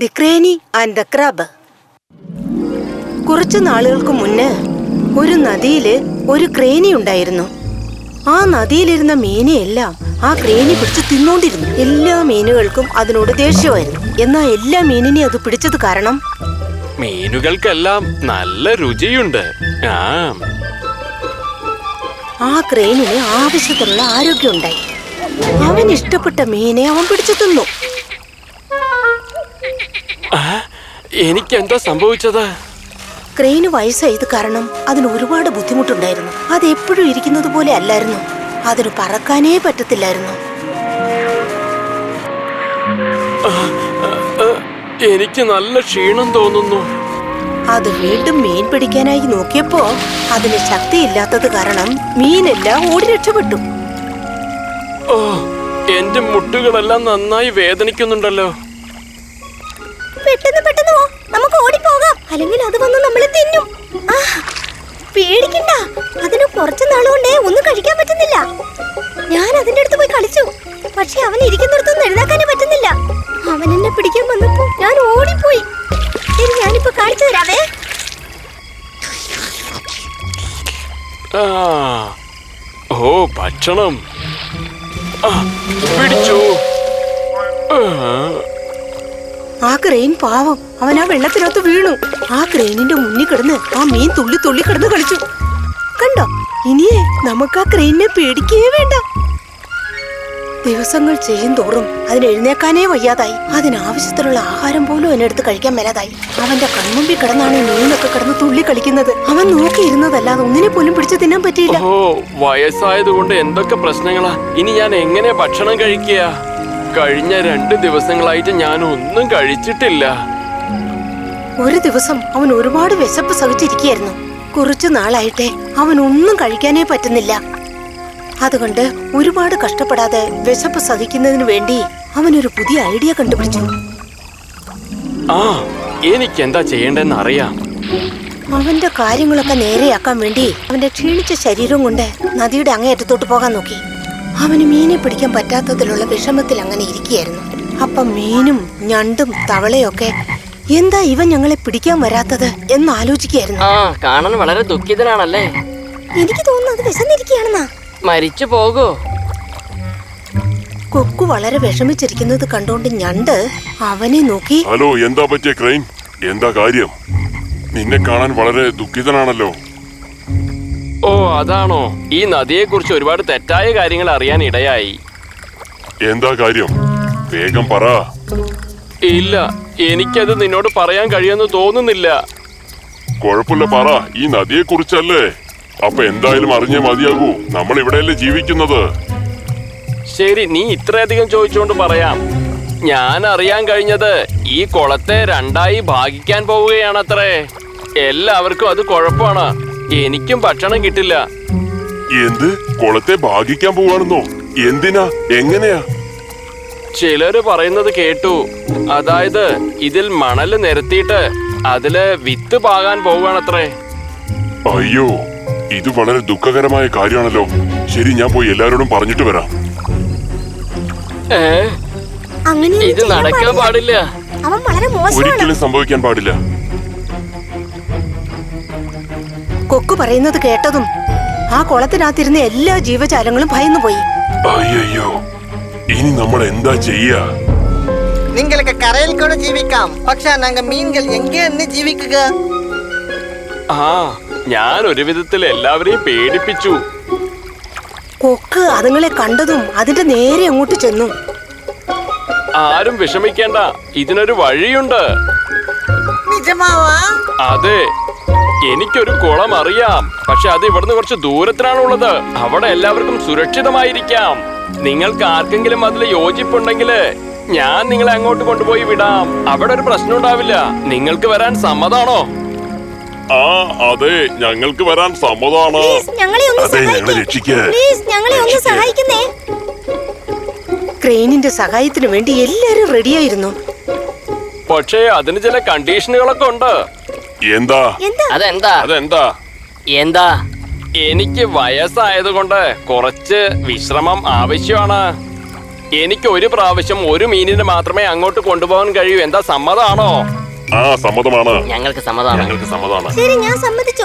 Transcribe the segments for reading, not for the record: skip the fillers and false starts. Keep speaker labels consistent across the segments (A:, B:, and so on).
A: The crane and the crab. കുറച്ചു നാളുകൾക്ക് മുന്നേ ഒരു നദിയില് ഒരു ക്രേനി ഉണ്ടായിരുന്നു. ആ നദിയിലിരുന്ന മീനെയെല്ലാം ആ ക്രേനി പിടിച്ച് തിന്നോണ്ടിരുന്നു. എല്ലാ മീനുകൾക്കും അതിനോട് ദേഷ്യമായിരുന്നു. എന്നാൽ എല്ലാ മീനിനെയും അത് പിടിച്ചത് കാരണം
B: മീനുകൾക്കെല്ലാം നല്ല രുചിയുണ്ട്.
A: ആ ക്രേനിന് ആവശ്യത്തിനുള്ള ആരോഗ്യം ഉണ്ടായി. അവൻ ഇഷ്ടപ്പെട്ട മീനെ അവൻ പിടിച്ചു തിന്നു.
B: എനിക്കെന്താ സംഭവിച്ചത്?
A: ക്രെയിന് വയസ്സായത് കാരണം അതിന് ഒരുപാട് ബുദ്ധിമുട്ടുണ്ടായിരുന്നു. അത് എപ്പോഴും ഇരിക്കുന്നത് പോലെ അല്ലായിരുന്നു. അതിന് പറക്കാനേ പറ്റത്തില്ലായിരുന്നു.
B: എനിക്ക് നല്ല ക്ഷീണം തോന്നുന്നു.
A: അത് വീണ്ടും മീൻ പിടിക്കാനായി നോക്കിയപ്പോ അതിന് ശക്തിയില്ലാത്തത് കാരണം മീനെല്ലാം ഓടി രക്ഷപ്പെട്ടു.
B: ഓ, എന്റെ മുട്ടുകളെല്ലാം നന്നായി വേദനിക്കുന്നുണ്ടല്ലോ.
A: പെട്ടെന്ന് നമുക്ക് ഓടിപ്പോകാം, അല്ലെങ്കിൽ അത് വന്ന് നമ്മളെ തിന്നും. പേടിക്കണ്ട, അതിന് കുറച്ചു നാളുകൊണ്ടേ ഒന്നും കഴിക്കാൻ പറ്റുന്നില്ല. ഞാൻ അതിന്റെ അടുത്ത് പോയി കളിച്ചു, പക്ഷെ അവൻ ഇരിക്കുന്നിടത്തൊന്നും എഴുതാക്കാനേ പറ്റുന്നില്ല. അവൻ എന്നെ പിടിക്കാൻ വന്നപ്പോ ഞാൻ ഓടിപ്പോയി. ശരി, ഞാനിപ്പോ കാണിച്ചു തരാവേ.
B: ഓ, ഭക്ഷണം പിടിച്ചു.
A: ആ ക്രെയിൻ പാവം, അവൻ ആ വെള്ളത്തിനകത്ത് വീണു. ആ ക്രെയിനിന്റെ മുന്നിൽ കിടന്ന് ആ മീൻ തുള്ളി കിടന്ന് കളിച്ചു. കണ്ടോ, ഇനിയേ നമുക്ക് ആ ക്രെയിനിനെ പേടിക്കേ വേണ്ട. ദിവസങ്ങൾ ചെയ്യും തോറും അതിന് എഴുന്നേക്കാനേ വയ്യാതായി. അതിനാവശ്യത്തിലുള്ള ആഹാരം പോലും അതിനെടുത്ത് കഴിക്കാൻ മേലാതായി. അവന്റെ കൺമുമ്പിൽ കിടന്നാണ് മീനൊക്കെ കിടന്ന് തുള്ളി കളിക്കുന്നത്. അവൻ നോക്കിയിരുന്നതല്ലാതെ ഒന്നിനെ പോലും പിടിച്ചു തിന്നാൻ പറ്റിയില്ല.
B: ഓ, വയസ്സായതുകൊണ്ട് എന്തൊക്കെ പ്രശ്നങ്ങളാ. ഇനി ഞാൻ എങ്ങനെ ഭക്ഷണം കഴിക്കുക? കഴിഞ്ഞ 2 ദിവസങ്ങളായിട്ട് ഞാൻ ഒന്നും കഴിച്ചിട്ടില്ല.
A: ഒരു ദിവസം അവൻ ഒരുപാട് വിശപ്പ് സഹിച്ചിരിക്കുകയായിരുന്നു. കുറച്ചു നാളായിട്ടേ അവൻ ഒന്നും കഴിക്കാനേ പറ്റുന്നില്ല. അതുകൊണ്ട് ഒരുപാട് കഷ്ടപ്പെടാതെ വിശപ്പ് സഹിക്കുന്നതിന് വേണ്ടി അവനൊരു പുതിയ ഐഡിയ കണ്ടുപിടിച്ചു.
B: എനിക്കെന്താ ചെയ്യേണ്ടെന്ന് അറിയാം.
A: അവന്റെ കാര്യങ്ങളൊക്കെ നേരെയാക്കാൻ വേണ്ടി അവന്റെ ക്ഷീണിച്ച ശരീരം കൊണ്ട് നദിയുടെ അങ്ങേയറ്റത്തോട്ട് പോകാൻ നോക്കി. അവന് മീനെ പിടിക്കാൻ പറ്റാത്തതിലുള്ള വിഷമത്തിൽ അങ്ങനെ ഇരിക്കുകയായിരുന്നു. അപ്പം മീനും ഞണ്ടും തവളയൊക്കെ എന്താ ഇവൻ ഞങ്ങളെ പിടിക്കാൻ വരാത്തത് എന്ന് ആലോചിക്കുകയായിരുന്നു.
C: കാണാൻ വളരെ ദുഃഖിതനാണല്ലേ?
A: എനിക്ക് തോന്നുന്നു അത് വിശന്നിരിക്കുകയാണെന്നാ.
C: മരിച്ചു പോകോ?
A: കൊക്കു വളരെ വിഷമിച്ചിരിക്കുന്നത് കണ്ടോണ്ട് ഞണ്ട് അവനെ നോക്കി,
D: ഹലോ, എന്താ പറ്റിയ ക്രെയിൻ? എന്താ കാര്യം? നിന്നെ കാണാൻ വളരെ ദുഃഖിതനാണല്ലോ.
B: ഓ, അതാണോ? ഈ നദിയെ കുറിച്ച് ഒരുപാട് തെറ്റായ കാര്യങ്ങൾ അറിയാൻ ഇടയായി.
D: എന്താ കാര്യം? വേഗം പറ.
B: ഇല്ല, എനിക്കത് നിന്നോട് പറയാൻ കഴിയുമെന്ന് തോന്നുന്നില്ല.
D: കുഴപ്പമില്ല, പറ. ഈ നദിയെ കുറിച്ചല്ലേ? അപ്പൊ എന്തായാലും അറിഞ്ഞേ മതിയാകൂ. നമ്മൾ ഇവിടെയല്ലേ ജീവിക്കുന്നത്.
B: ശരി, നീ ഇത്രയധികം ചോദിച്ചുകൊണ്ട് പറയാം. ഞാൻ അറിയാൻ കഴിഞ്ഞത് ഈ കുളത്തെ 2ആയി ഭാഗിക്കാൻ പോവുകയാണത്രേ. എല്ലാവർക്കും അത് കുഴപ്പമാണ്. എനിക്കും ഭക്ഷണം കിട്ടില്ല.
D: എന്ത്? കുളത്തെ ഭാഗിക്കാൻ പോവാണെന്നോ? എന്തിനാ? എങ്ങനെയാ?
B: ചിലര് പറയുന്നത് കേട്ടു. അതായത് ഇതിൽ മണല് നിരത്തിയിട്ട് അതില് വിത്ത് പാകാൻ പോവുകയാണത്രേ.
D: അയ്യോ, ഇത് വളരെ ദുഃഖകരമായ കാര്യമാണല്ലോ. ശരി, ഞാൻ പോയി എല്ലാരോടും പറഞ്ഞിട്ട് വരാം.
C: ഇത് നടക്കാൻ പാടില്ല.
A: അവൻ വളരെ മോശമാണ്.
D: ഒരിക്കലും സംഭവിക്കാൻ പാടില്ല.
A: കൊക്കു പറയുന്നത് കേട്ടതും ആ കുളത്തിനകത്തിരുന്ന എല്ലാ ജീവജാലങ്ങളും ഭയന്നുപോയി.
D: അയ്യോ, ഇനി നമ്മൾ എന്താ ചെയ്യാ?
E: നിങ്ങൾക്ക് കരയിൽ കൂടെ ജീവിക്കാം, പക്ഷെ ഞങ്ങൾ മീൻകൾ എങ്ങനെ ജീവിക്കുക?
B: ഞാൻ ഒരു വിധത്തിൽ എല്ലാവരെയും പേടിപ്പിച്ചു.
A: കൊക്ക് അതുങ്ങളെ കണ്ടതും അതിന്റെ നേരെ അങ്ങോട്ട് ചെന്നു.
B: ആരും വിഷമിക്കേണ്ട, ഇതിനൊരു വഴിയുണ്ട്.
E: നിജമാവാ?
B: അതെ, എനിക്കൊരു കുളം അറിയാം. പക്ഷെ അത് ഇവിടുന്ന് കുറച്ച് ദൂരത്തിലാണുള്ളത്. അവിടെ എല്ലാവർക്കും സുരക്ഷിതമായിരിക്കാം. നിങ്ങൾക്ക് ആർക്കെങ്കിലും അതിൽ യോജിപ്പുണ്ടെങ്കിൽ ഞാൻ നിങ്ങളെ അങ്ങോട്ട് കൊണ്ടുപോയി വിടാം. അവിടെ ഒരു പ്രശ്നം ഉണ്ടാവില്ല. നിങ്ങൾക്ക് വരാൻ സമ്മതാണോ?
D: അതെ, ഞങ്ങൾക്ക് വരാൻ സമ്മതമാണ്. അതെ, ഞങ്ങളെ രക്ഷിക്കേ.
A: ക്രെയിനിന്റെ സഹായത്തിന് വേണ്ടി എല്ലാരും റെഡിയായിരുന്നു.
B: പക്ഷേ അതിന് ചില കണ്ടീഷനുകളൊക്കെ ഉണ്ട്.
D: എന്താ?
B: അതെന്താ?
C: എന്താ?
B: എനിക്ക് വയസ്സായതുകൊണ്ട് കുറച്ച് വിശ്രമം ആവശ്യമാണ്. എനിക്ക് ഒരു പ്രാവശ്യം ഒരു മീനിനെ മാത്രമേ അങ്ങോട്ട് കൊണ്ടുപോകാൻ കഴിയൂ. എന്താ സമ്മതാണോ?
D: ആ സമ്മതമാണ്.
C: ഞങ്ങൾക്ക് സമ്മതമാണ്.
D: ഞങ്ങൾക്ക് സമ്മതമാണ്.
A: ശരി, ഞാൻ സമ്മതിച്ചു.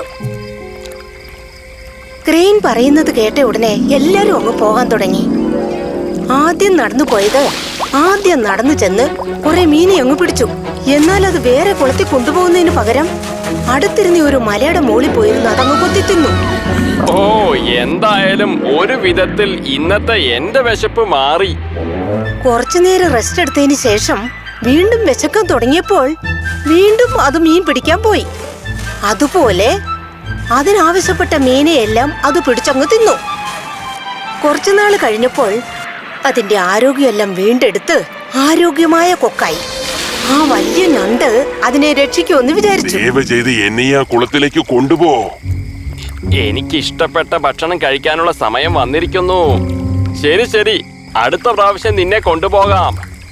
F: ക്രെയിൻ പറയുന്നത് കേട്ട ഉടനെ എല്ലാരും അങ്ങ് പോകാൻ തുടങ്ങി. ആദ്യം നടന്നു ചെന്ന് കുറെ മീനെ അങ്ങ് പിടിച്ചു. എന്നാൽ അത് വേറെ കുളത്തിൽ കൊണ്ടുപോകുന്നതിന് പകരം അടുത്തിരുന്ന ഒരു മലയുടെ മുകളിൽ പോയിരുന്നു അതങ്ങ് കൊത്തി തിന്നു.
B: ഓ, എന്തായാലും ഒരു വിധത്തിൽ ഇന്നത്തെ എന്റെ വിശപ്പ് മാറി.
F: കുറച്ചു നേരം റെസ്റ്റ് എടുത്തതിന് ശേഷം വീണ്ടും വിശക്കാൻ തുടങ്ങിയപ്പോൾ വീണ്ടും അത് മീൻ പിടിക്കാൻ പോയി. അതുപോലെ അതിനാവശ്യപ്പെട്ട മീനെയെല്ലാം അത് പിടിച്ചങ്ങ് തിന്നു. കുറച്ചുനാള് കഴിഞ്ഞപ്പോൾ അതിന്റെ ആരോഗ്യമെല്ലാം വീണ്ടെടുത്ത് ആരോഗ്യമായ കൊക്കായി. ആ വലിയ ഞണ്ട് അതിനെ രക്ഷിക്കുമെന്ന് വിചാരിച്ചു.
D: ദയവ് ചെയ്ത് എന്നെ ആ കുളത്തിലേക്ക് കൊണ്ടുപോ.
B: എനിക്ക് ഇഷ്ടപ്പെട്ട ഭക്ഷണം കഴിക്കാനുള്ള സമയം വന്നിരിക്കുന്നു. ശരി ശരി, അടുത്ത പ്രാവശ്യം നിന്നെ കൊണ്ടുപോകാം.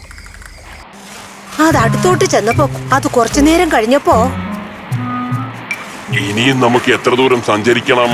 F: അത് അടുത്തോട്ട് ചെന്നപ്പോ അത് കുറച്ചു നേരം കഴിഞ്ഞപ്പോ
D: ഇനിയും നമുക്ക് എത്ര ദൂരം സഞ്ചരിക്കണം?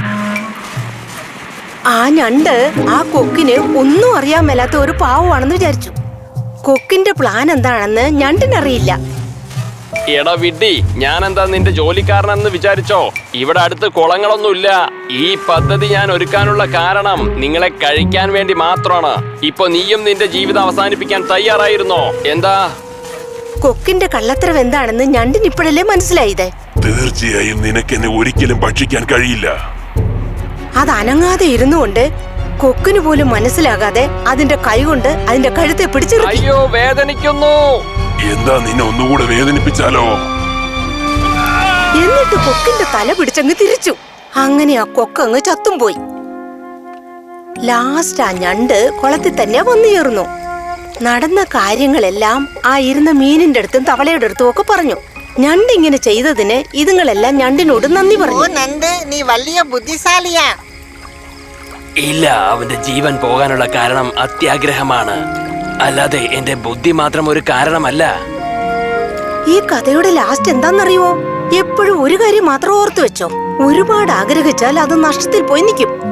F: ആ ഞണ്ട് ആ കൊക്കിന് ഒന്നും അറിയാൻ മേലാത്ത ഒരു പാവമാണെന്ന് വിചാരിച്ചു. കൊക്കിന്റെ പ്ലാൻ എന്താണെന്ന് ഞണ്ടിനറിയില്ല.
B: എടാ വിഡ്ഢി, ഞാൻ എന്താ നിന്റെ ജോലിക്കാരനെന്ന് വിചാരിച്ചോ? ഇവിടെ അടുത്ത് കുളങ്ങളൊന്നുമില്ല. ഈ പദ്ധതി ഞാൻ ഒരുക്കാനുള്ള കാരണം നിങ്ങളെ കഴിക്കാൻ വേണ്ടി മാത്രമാണ്. ഇപ്പൊ നീയും നിന്റെ ജീവിതം അവസാനിപ്പിക്കാൻ തയ്യാറായിരുന്നോ? എന്താ?
F: കൊക്കിന്റെ കള്ളത്തരം എന്താണെന്ന് ഞണ്ടിന് ഇപ്പോഴല്ലേ മനസ്സിലായത്.
D: തീർച്ചയായും നിനക്ക് എന്നെ ഒരിക്കലും ഭക്ഷിക്കാൻ കഴിയില്ല.
F: അത് അനങ്ങാതെ ഇരുന്നുകൊണ്ട് കൊക്കിന് പോലും മനസ്സിലാകാതെ അതിന്റെ കൈകൊണ്ട് അതിന്റെ കഴുത്തെ പിടിച്ചിറക്കി.
B: അയ്യോ, വേദനിക്കുന്നു.
D: എന്താ നിന്നെ ഒന്നുകൂടെ വേദനിപ്പിച്ചാലോ?
F: എന്നിട്ട് കൊക്കിന്റെ തല പിടിച്ചങ്ങ് തിരിച്ചു. അങ്ങനെ ആ കൊക്കങ്ങ് ചത്തും പോയി. ലാസ്റ്റ് ആ ഞണ്ട് കുളത്തിൽ തന്നെ വന്നു ചേർന്നു. നടന്ന കാര്യങ്ങളെല്ലാം ആ ഇരുന്ന മീനിന്റെ അടുത്തും തവളയുടെ അടുത്തും ഒക്കെ പറഞ്ഞു. ഞണ്ട് ഇങ്ങനെ ചെയ്തതിന് ഇതുങ്ങളെല്ലാം ഞണ്ടിനോട് നന്ദി
E: ഓ
F: പറഞ്ഞു.
E: നണ്ട്, നീ വലിയ ബുദ്ധിശാലിയാ.
B: ഇല്ല, അവന്റെ ജീവൻ പോകാനുള്ള കാരണം അത്യാഗ്രഹമാണ്, അല്ലാതെ എന്റെ ബുദ്ധി മാത്രം ഒരു കാരണമല്ല.
F: ഈ കഥയുടെ ലാസ്റ്റ് എന്താണെന്നറിയുമോ? എപ്പോഴും ഒരു കാര്യം മാത്രം ഓർത്തു വെച്ചോ, ഒരുപാട് ആഗ്രഹിച്ചാൽ അത് നഷ്ടത്തിൽ പോയി നിൽക്കും.